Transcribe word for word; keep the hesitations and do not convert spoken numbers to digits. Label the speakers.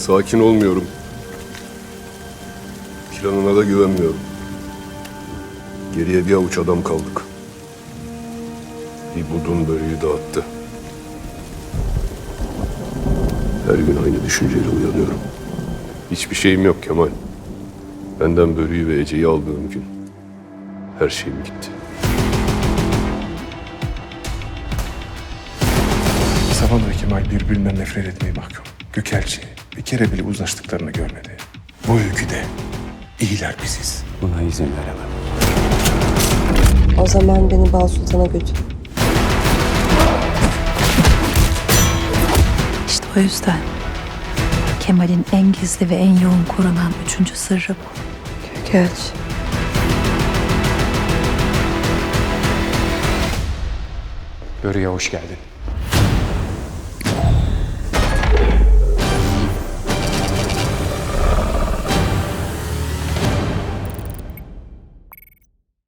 Speaker 1: Sakin olmuyorum. Planına da güvenmiyorum. Geriye bir avuç adam kaldık. Bir budun böreği dağıttı. Her gün aynı düşünceyle uyanıyorum. Hiçbir şeyim yok Kemal. Benden böreği ve Ece'yi aldığım gün her şeyim gitti.
Speaker 2: Savan ve Kemal birbirinden nefret etmeye mahkum. Gökelçi bir kere bile uzlaştıklarını görmedi. Bu öyküde iyiler biziz.
Speaker 3: Buna izin veremem.
Speaker 4: O zaman beni Bal Sultan'a götür.
Speaker 5: İşte o yüzden Kemal'in en gizli ve en yoğun korunan üçüncü sırrı bu.
Speaker 4: Gökelçi.
Speaker 3: Börü'ye hoş geldin.